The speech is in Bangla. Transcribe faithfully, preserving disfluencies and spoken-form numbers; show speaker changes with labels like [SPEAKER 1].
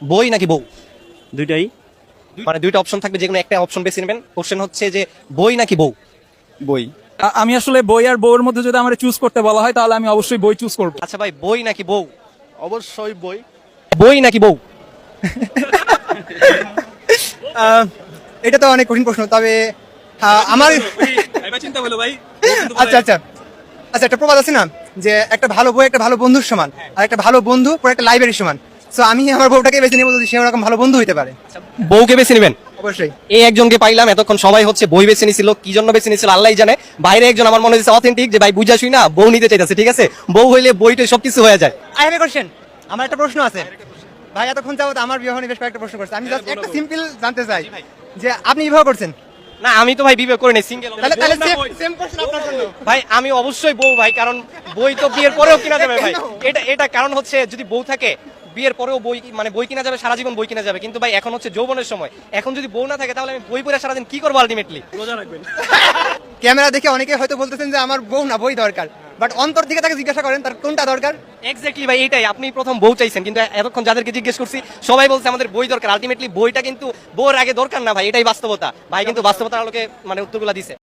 [SPEAKER 1] বই নাকি বউ?
[SPEAKER 2] দুইটাই।
[SPEAKER 1] মানে দুইটা অপশন থাকবে, যে কোনো একটা অপশন বেছে নেবেন। কোশ্চেন হচ্ছে যে বই নাকি বউ?
[SPEAKER 2] বই।
[SPEAKER 3] আ- আমি আসলে বই আর বউয়ের মধ্যে যদি আমার চুজ করতে বলা হয় তাহলে আমি অবশ্যই বই চুজ করব।
[SPEAKER 1] আচ্ছা ভাই, বই নাকি বউ?
[SPEAKER 2] অবশ্যই বই।
[SPEAKER 1] বই নাকি বউ?
[SPEAKER 4] আহ, এটা তো অনেক কঠিন প্রশ্ন, তবে আহ, আমার
[SPEAKER 3] চিন্তা বলো ভাই।
[SPEAKER 4] আচ্ছা আচ্ছা আচ্ছা একটা প্রবাদ আছে না, যে একটা ভালো বই একটা ভালো বন্ধুর সমান, আর একটা ভালো বন্ধু পুরো একটা লাইব্রেরির সমান। সো আমি আমার বউটাকে বেছে নেবো যদি সে ওরকম ভালো বন্ধু হতে পারে।
[SPEAKER 1] বউকে বেছে নেবেন?
[SPEAKER 4] অবশ্যই।
[SPEAKER 1] এই একজনকে পাইলাম, এতক্ষণ সবাই হচ্ছে বই বেছে নিছিল, কি জন্য বেছে নিছিল আল্লাহ জানে। বাইরে একজন আমার মনে হচ্ছে অথেন্টিক, যে ভাই বুঝা শুই না বউ নিতে চাইতেছে। ঠিক আছে, বউ হইলে বইটা সবকিছু হয়ে যায়।
[SPEAKER 4] আই হ্যাভ এ কোশ্চেন, আমার একটা প্রশ্ন আছে। ভাই এতক্ষণ যাবত আমার বিবাহ নিয়ে বেশ কয়েকটা প্রশ্ন করছে, আমি জাস্ট একটা সিম্পল জানতে চাই যে আপনি বিবাহ করছেন?
[SPEAKER 1] না, আমি তো ভাই বিয়ে করে নেই, সিঙ্গেল।
[SPEAKER 4] তাহলে তাহলে সেম কোশ্চেন আপনার জন্য।
[SPEAKER 1] ভাই আমি অবশ্যই বউ ভাই, কারণ বই তো বিয়ের পরেও কিনা যাবে ভাই। এটা এটা কারণ হচ্ছে যদি বউ থাকে বিয়ের পরেও বই, মানে বই কিনা যাবে, সারা জীবন বই কিনা যাবে। কিন্তু ভাই এখন হচ্ছে যৌবনের সময়, এখন যদি বউ না থাকে তাহলে আমি বই পড়ে সারাদিন কি করবো আলটিমেটলি?
[SPEAKER 2] রোজা রাখবেন।
[SPEAKER 4] ক্যামেরা দেখে অনেকে হয়তো বলতেছেন যে আমার বউ না বই দরকার, বাট অন্তর থেকে তাকে জিজ্ঞাসা করেন তার কোনটা দরকার।
[SPEAKER 1] এক্স্যাক্টলি ভাই, এটাই। আপনি প্রথম বউ চাইছেন, কিন্তু এতক্ষণ যাদেরকে জিজ্ঞেস করছি সবাই বলছে আমাদের বই দরকার। আলটিমেটলি বইটা কিন্তু বউর আগে দরকার না ভাই, এটাই বাস্তবতা ভাই। কিন্তু বাস্তবতার আলোকে মানে উত্তরগুলো দিছে।